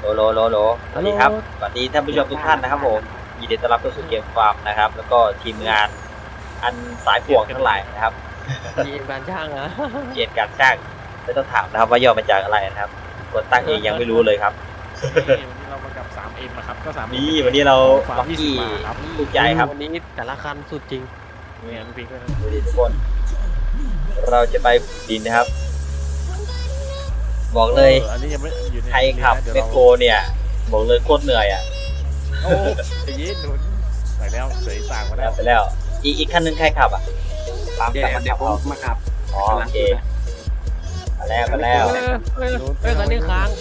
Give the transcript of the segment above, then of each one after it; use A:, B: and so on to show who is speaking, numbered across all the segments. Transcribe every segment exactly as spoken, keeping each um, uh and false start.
A: โลโลโลสวัสดีครับสวัสดีท่านผู้ชมทุกท่านนะครับผมยินดีต้อนรับเข้าสู่เกมฟาร์มนะครับแล้วก็ทีมงานอันสายป่วงทั้งหลายนะครับ
B: ทีมการช่างนะ
A: เกียรติการช่างไม่ต้องถามนะครับว่าย่อมาจากอะไรนะครับคนตั้งเองยังไม่รู้เลยครับ
C: วันนี้เรามากับ ทรี เอ็ม นะครับก็สาม
A: นี่วันนี้เราล็อกกี้ลูกใหญ่ครับ
B: วันนี้แต่ละคันสุดจริง
C: เนี่ยพี่ก็
A: ดูดิทุกคนเราจะไปดินนะครับบอกเลยใครขับเมโครเนี่ยบอกเลยโคตรเหนื่อยอ่ะ
C: โอ้ยยีหนุนไปแล้วเสยสางมาแล้ว
A: ไปแล้วอีกอีกคันนึงใครขับอ่ะ
B: ตามแต่เดี๋ยวผมมาขับ
A: อ๋อโอเคมาแล้วมาแล้ว
B: เฮ้ยคันนี้ค้าง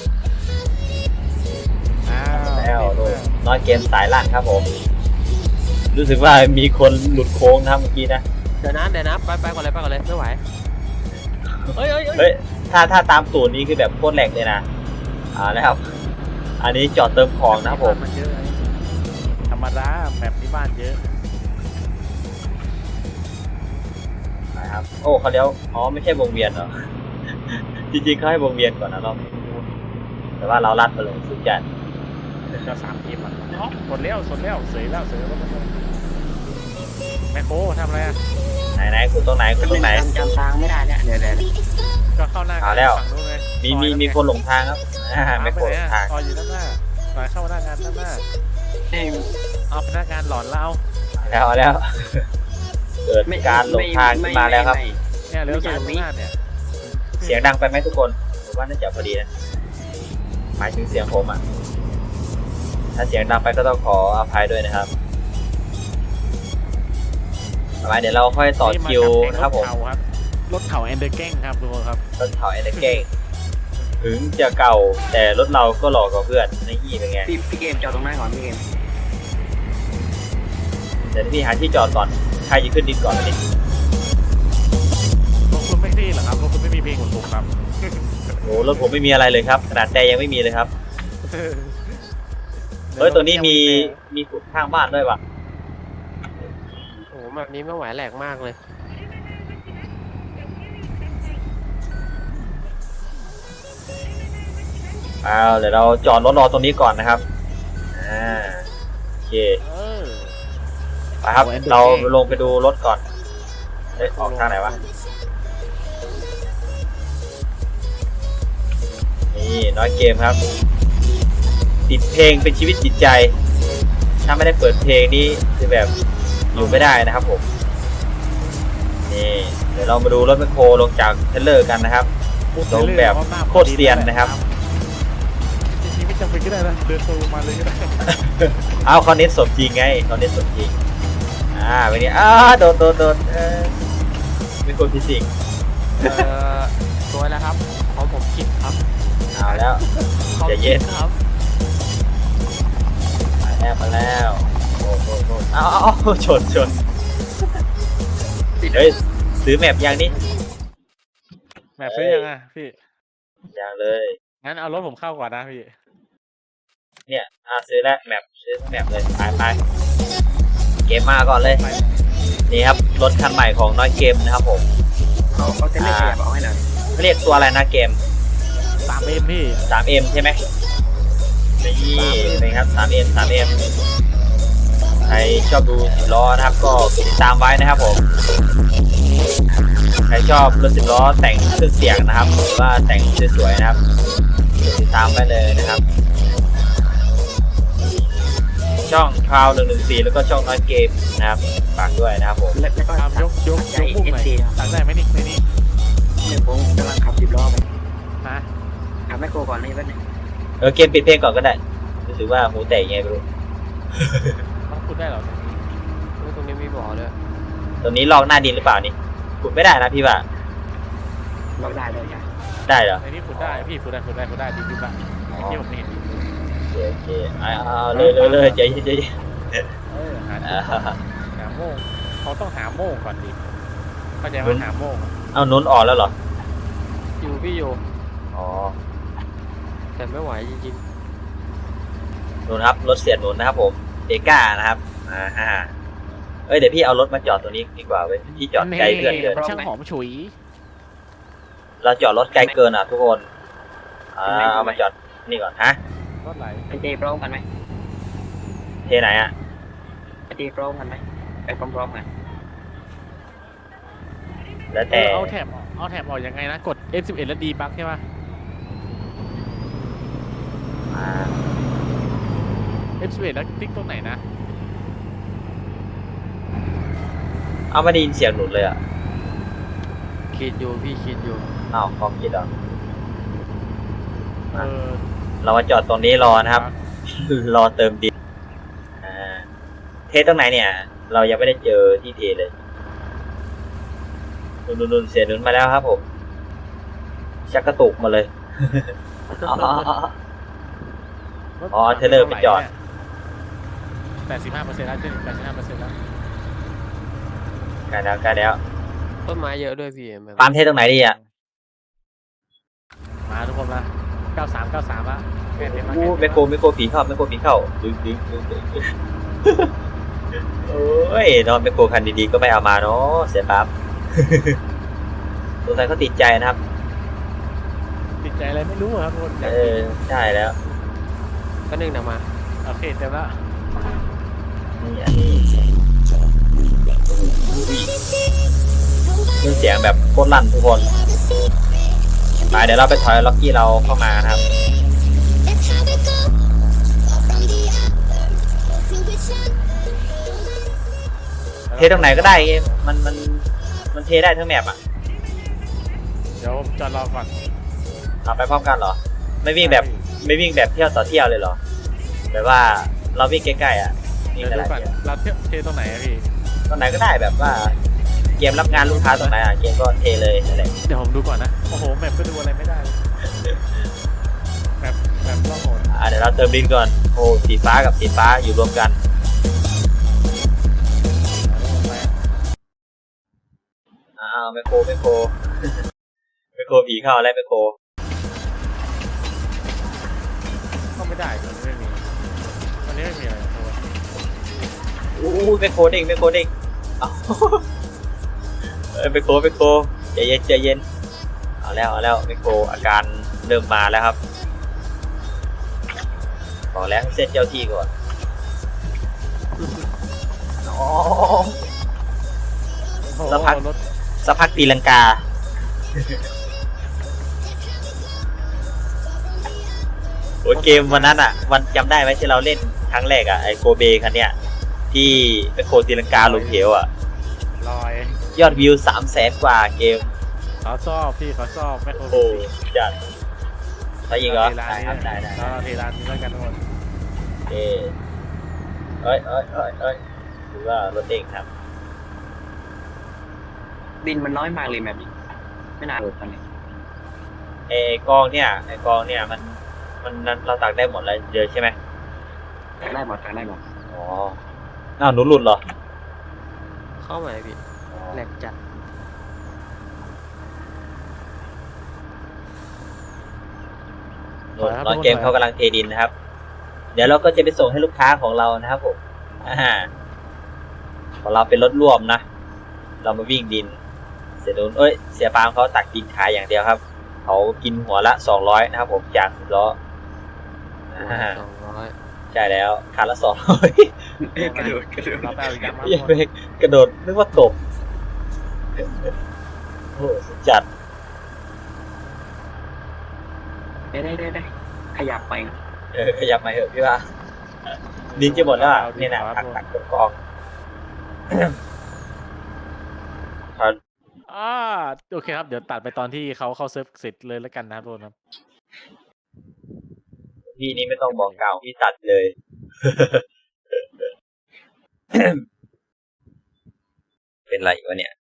A: แล้วน้อยเกมสายล่างครับผมรู้สึกว่ามีคนหลุดโค้งนะเมื่อกี้นะ
B: เดี๋ยวนะเดี๋ยวนะไปไปก่อนเลยไปก่อนเลยไม่ไหวเฮ้ย
A: เฮ้ยถ้าถ้าตามสูตรนี้คือแบบโคตรแหลกเลยนะอ่านะครับอันนี้จอดเติมของนะครับผม
C: ธรรมดาแบบที่บ้านเยอะ
A: นะครับโอ้เขาเลี้ยวอ๋อไม่ใช่วงเวียนเหรอจริงๆเขาให้วงเวียนก่อนนะรอบแต่ว่าเราลัดไปเลยสุดจัด
C: ก็สามทีมอ่ะสดแล้วสดแล้วเสยแล้วเสยแล้วแมคโครทำอะไรอ่ะ
A: ไหนไหนคุณตรงไหนคุณตรงไหน
B: จำทางไม่ได้เนี่ยเดี๋ยวเดี๋ยว
C: ก็เข้าหน้า
A: เอาแล้วมีมีมีคนหลงทางครับไม่โคตรทาง
C: ซอยอยู่ด้านหน้าซอยเข้าหน้างานด้านหน้าเอาพนักงานหลอนแล้ว
A: แล้วแล้วเกิดการหลงทางขึ้นมาแล้วครับ
C: เนี่ยเลี้ยวซ้ายหน้าเนี่ย
A: เสียงดังไปไหมทุกคนผมว่าน่าจะพอดีนะหมายถึงเสียงผมอ่ะถ้าเสียงดังไปก็ต้องขออภัยด้วยนะครับต่อไปเดี๋ยวเราค่อยต่อคิวนะครับผม
C: รถเขาแอนเดอร์แกงครับทุกคนครับ
A: รถเขาแอนเดอร์แกงถึงจะเก่าแต่รถเราก็หล่อกว่าเพื่อนในยี่เป็นไง
B: พี่พี่เกมจอดตรงไหนก่อนพี่เกม
A: เดี๋ยวพี่หาที่จอดก่อนใครจะขึ้นดินก่อนนิด
C: รถคุณไม่ดีเหรอครับรถคุณไม่มีเพลงของผมครับ
A: โอ้รถผมไม่มีอะไรเลยครับขนาดแต่ยังไม่มีเลยครับเฮ้ยตัวนี้มีมีขุดข้างบ้านด้วยว่ะ
B: โอ้แบบนี้ไม่ไหวแหลกมากเลย
A: เอาเดี๋ยวเราจอดรถรอตรงนี้ก่อนนะครับอ่าโอเคไปครับเราลงไปดูรถก่อนเฮ้ยออกทางไหนวะนี่น้อยเกมครับติดเพลงเป็นชีวิตจิตใจถ้าไม่ได้เปิดเพลงนี้คือแบบอยู่ไม่ได้นะครับผมนี่เดี๋ยวเรามาดูรถแมคโครลงจากเทรลเลอร์กันนะครับลงแบบโคตรเซียนนะครับ
C: จริงๆไม่จำเป็นก็ได้นะเดินตัวมาเลยก็ได้
A: เอาเขาเน้นสมจริงไงเขาเน้นสมจริงอ่าวันนี้อ้าโดนโดนโดนเออเป็นคนพิสิก
B: เออตัวแล้วครับของผมคิดครับ
A: เอาแล้วจะเย็น
B: ครับ
A: มาแล้วมาแล้วโอ้โหเอาเอาชนชนเฮ้ยซื้อแมปยังนี่
C: แมปซื้อยังอ่ะพี่
A: ยังเลย
C: งั้นเอารถผมเข้าก่อนนะพี่
A: เนี่ยอ่าซื้อแล้วแมปซื้อแมปเลยไปไปเกมมาก่อนเลยนี่ครับรถคันใหม่ของน้อยเกมนะครับผม
B: เขาเขาจะเรียกแบบเอาให้หน่อย
A: เรียกตัวอะไรนะเกม
C: สามเอ็ม พี่
A: สามเอ็ม ใช่ไหมนี่เป็นครับ สามเอ็ม สามเอ็ม ใครชอบดูสิบล้อนะครับก็ติดตามไว้นะครับผมใครชอบรถสิบล้อแต่งเครื่องเสียงนะครับหรือว่าแต่งสวยๆนะครับติดตามไปเลยนะครับช่องคราวหนึ่งหนึ่งสี่แล้วก็ช่องน้อยเกมนะครับฝากด้วยนะครับผม
B: แล้วก็
C: ยกยกยกมุมไหนตัดได้ไหมนี่ในนี้
B: เนี่ยผมกำลังขับสิบล้อไป
C: ฮะ
B: ขับแมคโครก่อนเลยแป๊บนึง
A: เออเกมปิดเพลงก่อนก็ได้รู้สึกว่าหูแตกยังไงไม่รู้
C: ต้องพูดได้หรอ
B: ตรงนี้มีบ่อด้วย
A: ตรงนี้ลอกหน้าดินหรือเปล่านี่ขุดไม่ได้นะพี่ว่า
B: ลอกได้เลยจ้ะ
A: ได้เหรอ
C: ในนี้ขุดได้พี่ขุดได้ขุดได้ขุดได้ดีดีป่ะที่ผมเห็น
A: โอเคโอเคเอาเลยเลยเลยใจใจ
C: เออหาหาโม่เขาต้องหาโม่ก่อนดิเข้าใจว่าหาโม่
A: เอานุ้นออกแล้วเหรอ
B: อยู่พี่อยู่
A: อ๋อ
B: แต่ไม่ไหวจริง
A: ๆนุ่นครับรถเสียนุ่นนะครับผมเดก้านะครับอ่าฮะเอ้ยเดี๋ยวพี่เอารถมาจอดตรงนี้ดีกว่าเว้ยพี่จอดไกลเกินเกิน
C: ช่างหอมฉุย
A: เราจอดรถไกลเกินอ่ะทุกคนอ่าเอามาจอดนี่ก่อนฮะ
C: รถไหล
D: ไปตีพร้อมกันไหม
A: เทไหนอ่ะ
D: ไปตีพร้อมกันไหมไปพร้อมๆกัน
A: แล้ว
C: เอ
A: แต่
C: อเอาแถบเอาแถบออกยังไงนะกด เอฟ สิบเอ็ด แล้วดีบักใช่ปะ
A: อ่า
C: เอฟ สิบเอ็ด แล้วติ๊กตรงไหนนะ
A: เอาไม่ได้ยินเสียงหนุนเลยอ่ะ
B: คิดอยู่พี่คิดอยู่
A: อ้าวคอมคิดเหรอ
C: เออ
A: เรามาจอดตรงนี้รอนะครับ รอเติมดินอ่าเทตรงไหนเนี่ย เรายังไม่ได้เจอที่เทเลยนุนนุนๆๆเสียหนุนมาแล้วครับผมชักกระตุกมาเลย อ๋อ
C: รถ
A: อ๋อเทรลเลอร์ไปจอด
C: แปดสิบห้าเปอร์เซ็นต์แล้วขึ้นแปดสิบห้าเปอร์เซ็นต์แล้ว
A: ใกล้แล้วใกล้แล้ว
B: ต้นไม้เยอะด้วยพี่แบบ
A: ปาล์มเทตรงไหนดีอ่ะ
C: มาทุกคนละเก้าสามเก้าสามละแค่เต็มละ
A: อู้
C: แค่
A: ไม
C: เต็ม
A: โคร
C: ละ
A: ไมโครผีเข้าไมโครผีเข้าดึงดึงดึงดึงดึงโอ้ยเนอนไมโครคันดีๆก็ไม่เอามาเนาะเสียปั๊บ สงสัยเขาติดใจนะครับ
C: ติดใจอะไรไม่รู้อะครับทุกคน
A: เออใช่แล้ว
B: ก็นึ่งหนักมา
C: โอเคเต็มละ
A: นี่อันนี้เครื่องเสียงแบบโคตรลั่นทุกคนไปเดี๋ยวเราไปถอยล็อกกี้เราเข้ามานะครับ เทตรงไหนก็ได้เกมมันมันมันเทได้ทั้งแมปอ่ะ
C: เดี๋ยวจอดรอก่อน
A: เอาไปพร้อมกันเหรอ ไม่วิ่งแบบไม่วิ่งแบบเที่ยวต่อเที่ยวเลยเหรอแบบว่าเราวิ่งใกล้ๆอ่ะวิ่
C: เดี๋
A: ง
C: ยว
A: ห
C: ดู
A: ลาย
C: ก่อน
A: ๆเที่ยว
C: เราเที่ยวเทตรงไหนอะพี่
A: ตรงไหนก็ได้แบบว่า เกมรับงานลูกค้าตรงไหนอ่ะเกมก็เทเลยนั่นแหละ
C: เดี๋ยวผมดูก่อนนะโอ้โหแมปก็ดูอะไรไม่ได้เลยแมปแมปล่องหน
A: อ่าเดี๋ยวเราเติมดินก่อนโอ้สีฟ้ากับสีฟ้าอยู่รวมกันอ้าวไมโครไมโคร ไมโครผีเข้าแล้วไมโคร
C: ก็ไม่ได้ตัวนี้ไม่มีวันนี้ไม่มีอะไรตัว
A: อู้ไมโครเด้งไมโครเด้งเอ้า เอ้ยไมโครไมโครใจเย็นใจเย็นเอาแล้วเอาแล้วไมโครอาการเริ่มมาแล้วครับบอกแล้วให้เซตเจ้าที่ก่อนอ๋อ
C: โอ้โห
A: สักพัก
C: รถ
A: สักพักตีลังกา โอ้ยเกมวันนั้นอ่ะวันจำได้ไหมที่เราเล่นครั้งแรกอ่ะไอโกเบคันเนี้ยที่ไมโครตีลังกาลงเหวอ่ะ
C: ลอย
A: ยอดวิวสามแสนกว่าเกม
C: เขาชอบพี่เขาชอบไม่โค
A: โอ้จัดถ้ายิงเหรอ
C: เทร้าน
A: ได้
C: นี้
A: ครับได้ได้
C: เราเทร้านนี้แล้วกันทุกคน
A: เอ้ยเอ้ยเอ้ยเอ้ยเอ้ยถือว่ารถเด้งครับ
D: ดินมันน้อยมากเลยแบบนี้ไม่น่าหลุดตอนนี้
A: ไอ้กองเนี่ยไอ้กองเนี่ยมันมันนั้นเราตักได้หมดเลยเจอใช่ไหม
D: ได้หมดได้หมด
A: อ๋ออ้าวหนูหลุดเหรอ
B: เข้ามาพี่แหลกจัด
A: หลุดตอนเกมเขากำลังเทดินนะครับ เดี๋ยวเราก็จะไปส่งให้ลูกค้าของเรานะครับผมอ่าของเราเป็นรถร่วมนะ เรามาวิ่งดิน เสียนุนเอ้ยเสียปาล์มเขาตักดินขายอย่างเดียวครับเขากินหัวละสองร้อยนะครับผมจากสิบล้ออ่า
B: สองร้อย
A: ใช่แล้วคันละสองร้อย
D: กระโดดกระโดด
C: เราไปเอาอีกกันมา
A: ยังไม่กระโดดนึกว่าตกโอ้สุดจัด
D: ได้ได้ได้ได้ขยับไป
A: เออขยับมาเถอะพี่ว่าดินจะหมดแล้วอ่ะนี่นะตักตักกอง
C: อ่าโอเคครับเดี๋ยวตัดไปตอนที่เขาเข้าเซิร์ฟเสร็จเลยแล้วกันนะครับทุกคนครับ
A: พี่นี่ไม่ต้องบอกกล่าวพี่ตัดเลย เป็นไรวะเนี่ย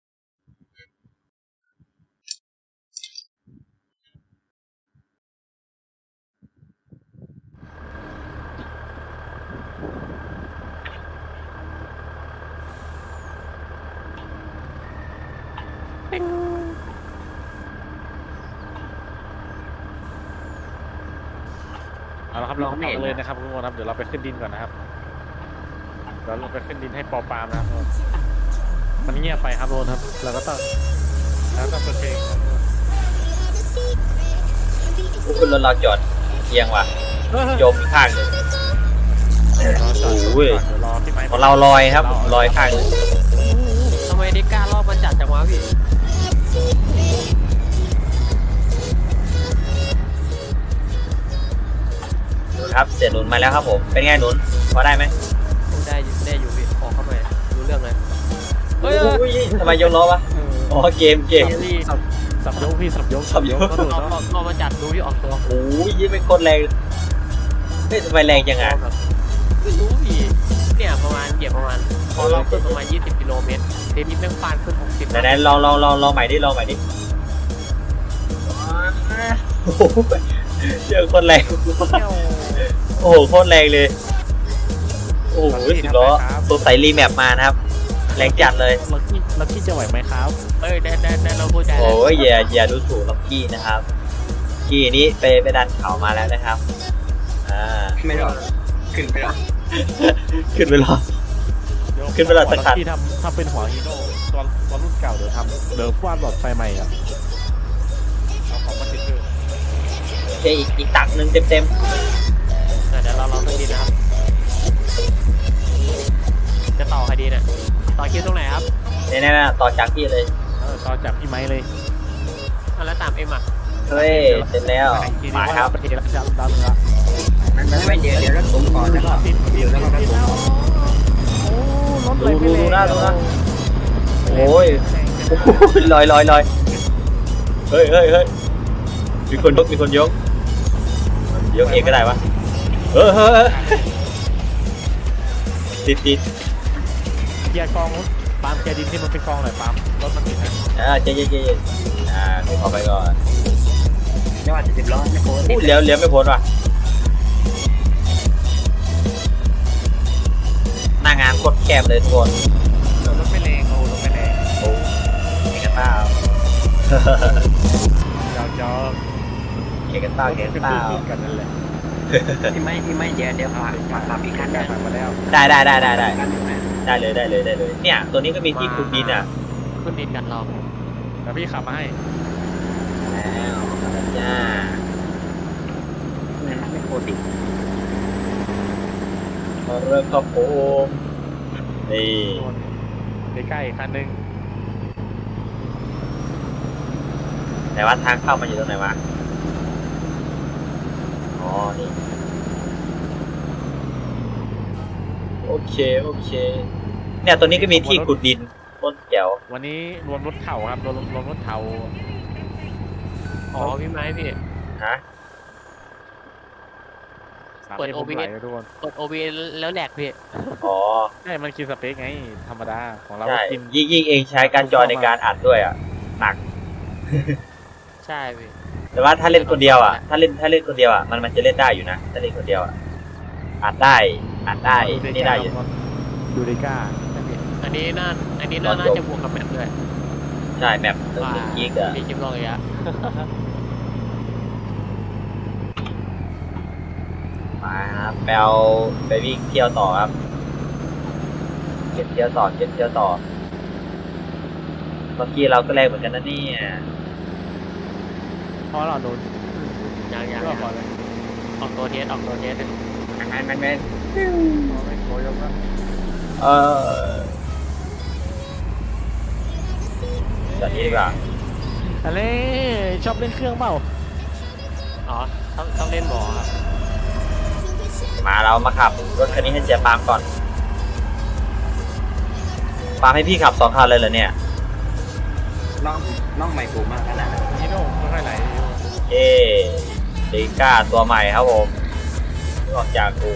C: เอาละครับเราเข้าเลยนะครับทุกคนครับเดี๋ยวเราไปขึ้นดินก่อนนะครับเดี๋ยวเราไปขึ้นดินให้ปอปามนะครับทุกคนมันเงียบไปครับทุกคนครับเราก็ต้องแล้วต้องเปิดเพลงครับทุกคน
A: พวกคุณรถเราจอดเอียงว่ะจมอีกข้างหนึ่ง
C: เดี๋ยวรอจอด
A: โอ้ย
C: เดี๋ยวรอพี่ไม้
A: ของเราลอยครับลอยข้างหนึ่ง
B: ทำไมได้กล้ารอบมันจัดจังวะพี่
A: หนุนครับเสียหนุนมาแล้วครับผมเป็นไงหนุนพอได้ไหม
B: ได้อยู่ได้อยู่พี่ออกเข้าไปรู้เรื่องเลยเฮ้ย
A: อุ้ยทำไมยกล้อวะ
C: เออ
A: อ๋อเกมเกม
B: เฮ้ย
C: สับสับยกพี่สับยก
A: สับยก
C: ก็ดู
B: รอบ
C: เนาะ
B: รอบมาจัดดูที่ออกตัว
A: โอ้ยยิ่งเป็นคนแรงเฮ้ยทำไมแรงจังอ่ะ
B: ไม่รู้พี่เนี่ยประมาณเหยียบประมาณพอเราขึ้นประมาณยี่สิบกิโลเมตรเทปนี้แม่งฟานขึ้นหกสิบ
A: ไหนๆลองลองลองลองใหม่ดิลองใหม่ดิโอ้โหเจอคนแรงโอ้โหโคตรแรงเลยโอ้โหสิบล้อสงสัยรีแมปมานะครับแรงจัดเลย
C: ลักกี้ลักกี้จะไหวไหมครับ
B: เอ้ยได้ได้ได้เราพูดใจ
A: โอ้ยอย่าอย่าดูถูกล็อกกี้นะครับกี้นี้ไปไปดันเขามาแล้วนะครับอ่า
D: ไม่รอดขึ้นไปแล้ว
A: ขึ้นไปรอ ขึ้นไปเลยสักคัน
C: ที่ทำทำเป็นหัวฮีโร่ตัวตัวรุ่นเก่าเดี๋ยวทำเดี๋ยวฟาดหลอดไฟใหม่อ่ะเอาของมาติดเพิ่ม
A: โอเคอีกอีกตักหนึ่งเต็มเต็ม
B: เดี๋ยวเราลองสักทีนะครับจะต่อคดีเนี่ยต่อคิวตรงไหนครับ
A: ๆเนี่ยนะต่อจากพี่เลย
C: เออต่อจากพี่ไม้เลย
B: อ่ะแล้วตามเอ็มอ่ะ
A: เฮ้ยเสร็จแล้ว
C: อีกทีนึง
A: มาครับ
C: ว่าประเทศละจันดาวเหนือ
D: มันมันไม่เดี๋ยวเดี๋ยวรถผมก่อนแล้วก็
C: ติดติด
D: แล้วก็รถ
C: ติด
D: ผม
C: แล้ว
D: ก่อน
C: โอ้รถไหล
A: ดู
C: ไป
A: ดู
C: เลย
A: ดูหน้าดูหน้าโอ้ยโอ้โหลอยลอยลอยเฮ้ยเฮ้ยเฮ้ยมีคนยกมีคนยกยกเองก็ได้วะเออเฮ้ยเฮ้ยติดติด
C: เกียร์กองรถปาล์มเกียร์ดินที่มันเป็นกองหน่อยปาล์มรถมันติดนะ
A: อ่าเจ๊เจ๊เจ๊อ่าดูเข้าไปก่อน
D: ไม่ว่าจะสิบล้อไม่โค้ง
A: พูดเลี้ยวเลี้ยวไม่พ้นว่ะหน้างานโคตรแคบเลยทุกคน
C: รถไม่แรงโอ้รถไม่แรง
A: โอ้เอกต้า
C: ยาวยาว
A: เอกต้าเอกต้า
C: กันนั่นแหละ
D: พี่ไม่พี่ไม่เดี๋ยวเดี๋ยวฝากฝากฝากพี่คัน
C: ได้
D: ได้
C: มาแล้ว
A: ได้ได้ได้ได้ได้
D: คันอยู่นะ
A: ได้เลยได้เลยได้เลยเนี่ยตัวนี้ก็มีที่คุมดินอ่ะ
B: ขึ้นดินกันเรา
C: แล้วพี่ขับมาให้
A: แล้วจ้า
D: มันไม่โคตรดิ
A: มาเริ่มครับผมนี่
C: ใกล้ๆคันหนึ่ง
A: แต่ว่าทางเข้ามันอยู่ตรงไหนวะอ๋อนี่โอเคโอเคเนี่ยตัวนี้ก็มีที่ขุดดินต้นเขียว
C: วันนี้รวมรถเข่าครับรวมรวมรถเข่า
B: อ๋อพี่ไม้พี่
A: ฮะ
C: สาม
B: เปิด
C: เอ็ม
B: โอ
C: ผม
B: บี
C: ไห
B: เอ
C: ล
B: ส
C: นะทุกคน
B: กด โอ บี เอส แล้วแหลกพี่
A: อ๋อ
C: ใช่มันกินสเปคไงธรรมดาของเรา
A: ใช่
C: กิน
A: ยิ่งยิ่งเองใช้การจอในการอัดด้วยอ่ะหนัก
B: ใช่พี่
A: แต่ว่าถ้าเล่นคนเดียวอ่ะถ้าเล่นถ้าเล่นคนเดียวอ่ะมันมันจะเล่นได้อยู่นะถ้าเล่นคนเดียวอ่ะอัดได้อัดได้นี่ได้อยู่
C: ดูดิก้า
B: อันนี้น่าอันนี้น่าน่าจะบวกกับแมปด้วย
A: ใช่แมปหนึ่ง
B: ว่า
A: หนึ่งกิกอ่ะ
B: มีคลิปลองอีกอะ
A: มาครับไปเอาไปวิ่งเที่ยวต่อครับเก็บเที่ยวต่อเก็บเที่ยวต่อเมื่อกี้เราก็แรงเหมือนกันนะเนี่ย
C: เพราะเราโดน
B: ยังยัง
C: ก็
B: ยัง
C: พอเลย
B: ออกตัวเทสออกตัวเทส
D: มันมันมัน
C: ไม่โคยกแล้ว
A: เออแบบนี้ดีกว่า
C: อะไรชอบเล่นเครื่องเปล่า
B: อ๋อต้องต้องเล่นบอครับ
A: มาเรามาขับรถคันนี้ให้เจ๊ปาล์มก่อนปาล์มให้พี่ขับสองคันเลยเหรอเนี่ย
D: น้องน้องใหม่ปลูกมากขนาดนั้น
C: ฮีโร่ไม่ค่อยไหลอยู่
A: เอ๊เดก้าตัวใหม่ครับผมเพิ่งออกจากกู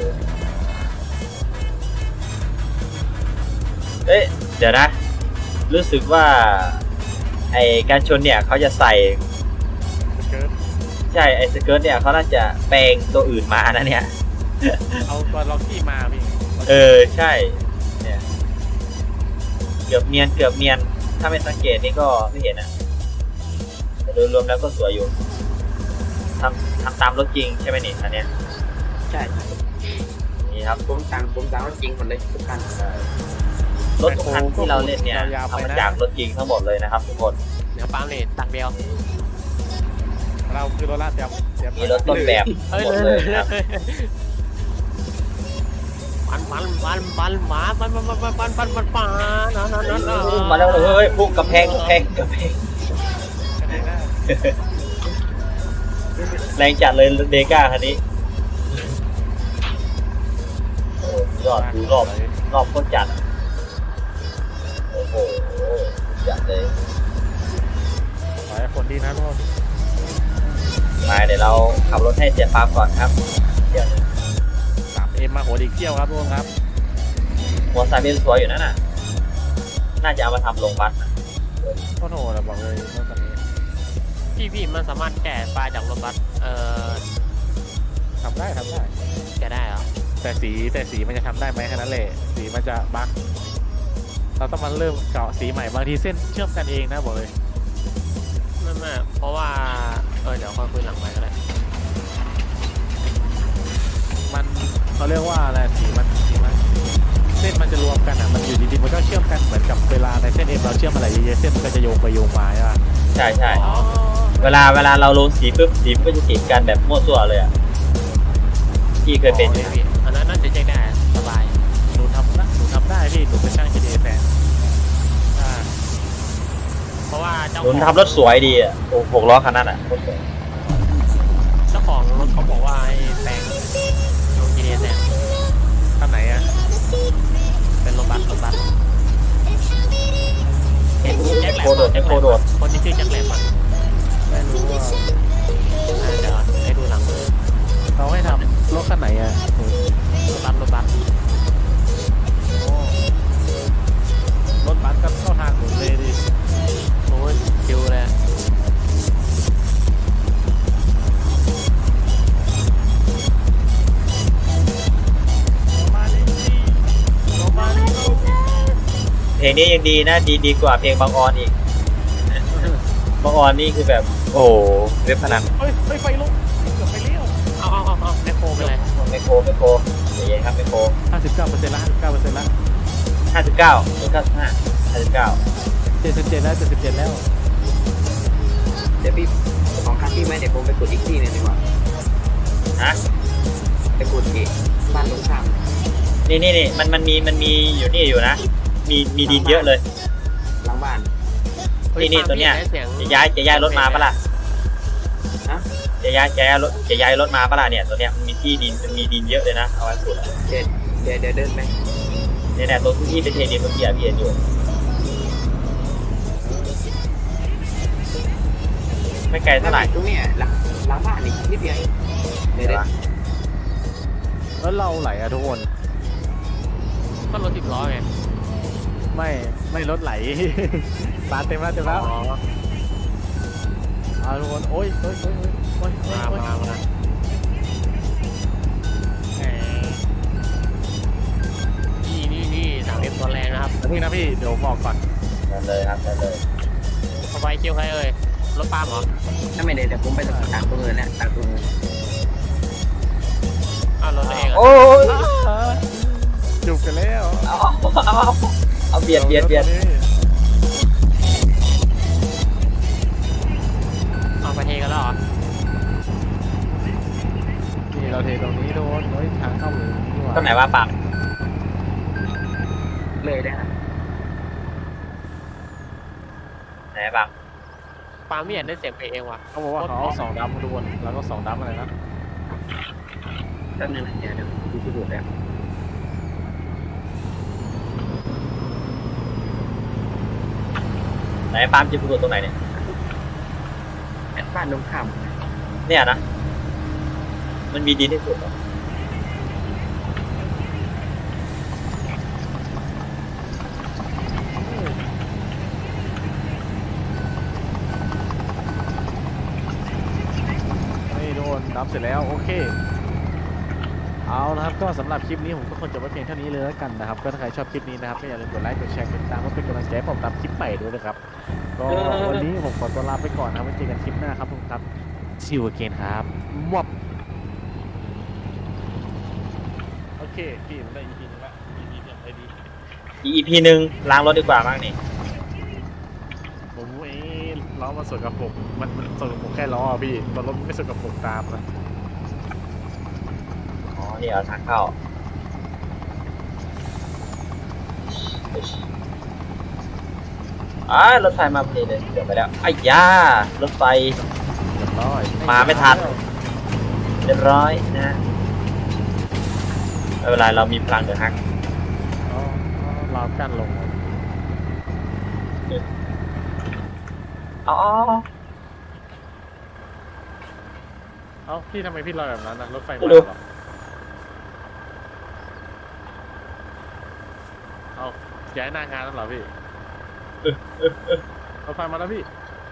A: เอ๊ะเดี๋ยวนะ รู้สึกว่าไอการชนเนี่ยเขาจะใส่
C: เกิด
A: ใช่ไอสเกิร์ตเนี่ยเขาน่าจะแปลงตัวอื่นมานะเนี่ย
C: เอาตัวล็อกกี้มาพี่
A: เออใช่เนี่ยเกือบเนียนเกือบเนียนถ้าไม่สังเกตนี่ก็ไม่เห็นนะแต่โดยรวมแล้วก็สวยอยู่ทำทำตามรถจริงใช่ไหมนี่อันเนี้ย
D: ใช่
A: นี่ครับ
D: ผมสั่งผมสั่งรถจริงหมดเลยทุกคัน
A: รถทุกคันที่เราเล่นเนี่ยทำมาจากรถจริงทั้งหมดเลยนะครับทุกคน
B: เดี๋ยวปั๊มนี่ตักเดียว
C: รเราคือรถลาดเตรียมเตรียม
A: มีรถต้นแบบ
B: เฮ้ย
A: หมด
B: เล
A: เลย ยนะครับ
B: ปันปันปันปันหมาปันปันปันปันปันปันปันนะนะนะนะ
A: มาแล้วเฮ้ยพุ่งกระแพงกระแพงกระแพง
C: คะแนนหน้า
A: แรงจัดเลยเดก้าคันนี้โอ้ยอดดูรอบรอบโคตรจัดโอ้โหจัดเลย
C: ขอให้คนดีนะทุกคน
A: มาเดี๋ยวเราขับรถให้เจ็ดปาล์มก่อนครับเดี๋ยว
C: สามเอ็มมาหัวดีเกี้ยวครับทุกคนครับ
A: หัวซาเบนสวยอยู่นั่นน่ะน่าจะเอามาทำโรงพยาบาลนะ
C: โคตรโหดอะบอกเลยรถคันนี้
B: พี่พี่มันสามารถแก่ปลาจากรถบัสเอ่อ
C: ทำได้ทำได้
B: แก่ได้เหรอ
C: แต่สีแต่สีมันจะทำได้ไหมแค่นั้นแหละสีมันจะบั๊กเราต้องมาเริ่มเกาะสีใหม่บางทีเส้นเชื่อมกันเองนะบอกเลย
B: ไม่ไม่เพราะว่าเออเดี๋ยวค่อยคุยหลังไปก็ได้
C: มันเขาเรียกว่าอะไรสีมันสีมันเส้นมันจะรวมกันอ่ะมันอยู่ดีๆมันก็เชื่อมกันเหมือนกับเวลาในเส้นเอ็มเราเชื่อมอะไรเยอะๆเส้นมันก็จะโยงไปโยงมาใช่ปะ
A: ใช่ใช่
B: อ๋อ
A: เวลาเวลาเราลงสีปุ๊บสีมันก็จะติดกันแบบมั่วซั่วเลยอ่ะพี่เคยเป็น
B: อ๋อพี่อันนั้นน่าจะแจ้งได้สบาย
C: หนูทำนะหนูทำได้พี่หนูเป็นช่าง จี ดี เอ แฟนอ่า
B: เพราะว่าเจ้า
A: หนุนทำรถสวยดีอ่ะโอ้หกล้อคันนั้นอ่ะโคตรสวย
B: เจ้าของรถเขาบอกว่าให้แซงลง จี ดี เอ แซง
C: ท่านไหนอ่ะ
B: เป็นรถบัสรถบัสเห็นแจ็คแหลม
A: โคโดดไอโคโดด
B: คนที่ชื่อแจ็คแหลมอ่ะ
C: ไม่รู้ว่า
B: อ่าเดี๋ยวให้ดูหลังมือ
C: เขาให้ทำรถคันไหนอ่ะหนู
B: รถบัสรถบัส
C: โอ้รถบัสก็เข้าทางหนูเลยดิ
B: โอ้ยชิวเลย
C: มาดิสิมาดิสิ
A: เพลงนี้ยังดีนะดีดีกว่าเพลงบางออนอีกบางออนนี่คือแบบโอ้โหเว็บพนัน
C: เฮ้ยเฮ้ยไฟลุกเกือบไปเลี้ยว
B: เอาเอาเอาเอาแมคโครไปเลย
A: ไมโครไมโครใจเย็นครับไมโคร
C: ห้าสิบเก้าเปอร์เซ็นต์ละห้าสิบเก้าเปอร์เซ็นต์ละ
A: ห้าสิบเก้าหรือเก้าสิบห้าห้าสิบเก้า
C: เจ็ดสิบเจ็ดแล้วเจ็ดสิบเจ็ดแล้ว
D: เดี๋ยวพี่ของคันพี่ไหมเดี๋ยวผมไปกดอีกที่หนึงดีกว่า
A: ฮะ
D: ไปกดอีกบ้านตรงข้าม
A: นี่นี่นี่มันมันมีมันมีอยู่นี่อยู่นะ มีมีดินเยอะเลย
D: หลังบ้าน
A: นี่นี่ตัวเนี้ย
B: สีง
A: จะย้ายจะย้ายรถมาปะล่ะ
D: ฮะ
A: จะย้ายจะย้ายรถจะย้ายรถมาปะล่ะเนี่ยตัวเนี้ยมันมีที่ดินมันมีดินเยอะเลยนะเอาไว้สุดอะ
D: เดี๋ยวเดี๋ยวเดี๋ยวเดินไป
A: เนี่ยเนี่ยตรงที่เป็นเทดินเมื่อกี้อะพี่เห็นอยู่ไม่ไกลเท่าไหร่
D: ตรงเนี้ยหลังหลังบ้านนี่นิดเดียวเองเดี๋ยวเดี๋ยว
C: แล้วเราไหลอะทุกคน
B: ก็รถสิบล้อไง
C: ไม่ไม่รถไหล ปาเต็มแล้วเต็มแล้ว
B: อ๋อ
C: เอาทุกคนโอ้ยโอ้ยโอ้ยโอ้ยโอ้ยโอ้
B: มาย
C: โอ้ย
B: มามา
C: แหม
B: นี่นี่นี่สามเอ็มตัวแรงนะครับ
C: แล้วพี่นะพี่เดี๋ยวบอกก่อน
A: นั่นเลยครับนั่นเลย
B: สบายคิวใครเอ่ยรถปาล์มเหรอ
D: ถ้าไม่ได้เดี๋ยวผมไปตากตรงเงินแล้วตากตรงเงิน
B: อ้าวรถตัวเองเหรอ
A: โอ้ย
C: อ่าจุกกันแล้ว
A: เอาเอาเอาเอาเบียดเบียดเบียด
B: เอาไปเทกันแล้วเหรอ
C: นี่เราเทตรงนี้โดนโอ้ยทางเข้าเลยนี่หว่า
A: ตรงไหนว่าปาก
D: เลยได้นะ
A: ไหนปาก
B: ปาล์มไม่อยากได้เสียงเพลงเองว่ะ
C: เขาบอกว่าเขาเอาสองดับมาดูนแล้วก็สองดับอะไรนะ
D: แป๊บนึงนะเดี๋ยวเดี๋ยวดูที่ดูแล้ว
A: ไหนปาล์มจะพูดตรงไหนเนี่ย
D: บ้านตรงข้าม
A: เนี่ยนะมันมีดินที่สุดเหรอ
C: นี่โดนดับเสร็จแล้วโอเคเอานะครับก็สำหรับคลิปนี้ผมก็คงจะไว้เพียงเท่านี้เลยแล้วกันนะครับก็ถ้าใครชอบคลิปนี้นะครับก็อย่าลืมกดไลค์กดแชร์กดติดตามเพื่อเป็นกำลังใจให้ผมทำคลิปใหม่ด้วยนะครับก็วันนี้ผมขอตัวลาไปก่อนนะครับไว้เจอกันคลิปหน้าครับทุกคนครับ see you again ครับมอบโอเคพี่ผมได้ อี พี นึงละ อี พี เนี่ยได้ดี
A: อี พีหนึ่งล้างรถดีกว่ามั้งนี่
C: ผมเอ้รอล้อมันสกปรกมันมันสกปรกแค่ล้ออะพี่ตัวรถมันไม่สกปรกตามนะ
A: อ๋อนี่เอาทางเข้าอ่ารถไฟมาพอดีเลยเดี๋ยวไปแล้วไอ้ยารถไฟ
C: เรียบร้อย
A: มาไม่ทัน เรียบร้อยนะไม่เป็นไรเรามีพลังเดือดฮัก
C: อ๋อเรากั้นลง
A: อ๋อ
C: เอ้าพี่ทำไมพี่ลอยแบบนั้นนะรถไฟมา
A: ไม่รู้
C: เหรอเอ้าย้ายหน้างานแล้วเหรอพี่รถไฟมาแล้วพี่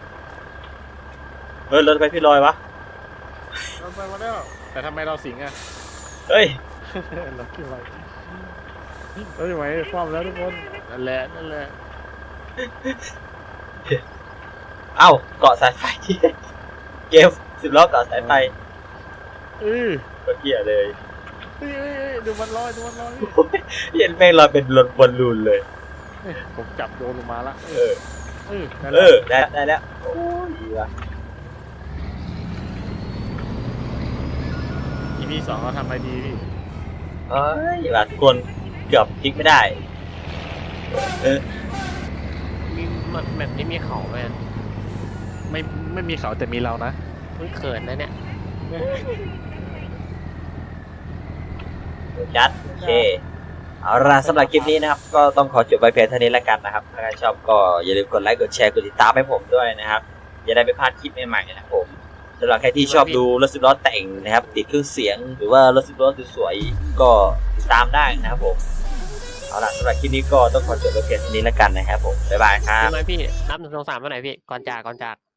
A: เฮ้ยรถไฟพี่ลอยวะ
C: รถไฟมาแล้วแต่ทำไมเราสิงอ่ะ
A: เฮ้ย
C: เราขึ้นไปเฮ้ยไหมความแล้วทุกคนนั่นแหละนั่นแหละ
A: เอ้าเกาะสายไฟที่เกมสิบล้อเกาะสายไฟ
C: เออ
A: ก็เกียเลย
C: เฮ้ยเฮ้ยเฮ้ยดูมันลอยดูมันลอย
A: เห็นแม่งลอยเป็นรถบอลลูนเลย
C: เฮ้ยผมจับโยนลงมาละ
A: เออ
C: เออนั่นแห
A: เอ
C: ละ
A: อ ได้แล้วได้แล้ว โอ้ยดีว่ะ
C: อีพีสองเราทำอะไรดีพี่
A: เอ้ยว่ะทุกคนเกือบพลิกไม่ได้ เออ
B: มีมันแบบนี้มีเขาไหม
C: ไม่ไม่มีเขาแต่มีเรานะ
B: เพิ่งเขินนะเนี่ย
A: จัดโอเค เอาล่ะสำหรับคลิปนี้นะครับ ก็ต้องขอจบไว้เพียงเท่านี้แล้วกันนะครับ ถ้าใครชอบก็อย่าลืมกดไลค์ กดแชร์ กดติดตามให้ผมด้วยนะครับ อย่าได้ไม่พลาดคลิปใหม่ๆนะครับผมสำหรับใครที่ชอบดูรถสิบล้อแต่งนะครับ ติดเครื่องเสียง หรือว่ารถสิบล้อสวยๆก็ติดตามได้นะครับผม เอาล่ะสำหรับคลิปนี้ก็ต้องขอจบไว้เพียงเท่านี้แล้วกันนะครับผม บ๊ายบายครับ
B: ทำไมพี่ นับหนึ่งสองสามเมื่อไหร่พี่ ก่อนจากก่อนจาก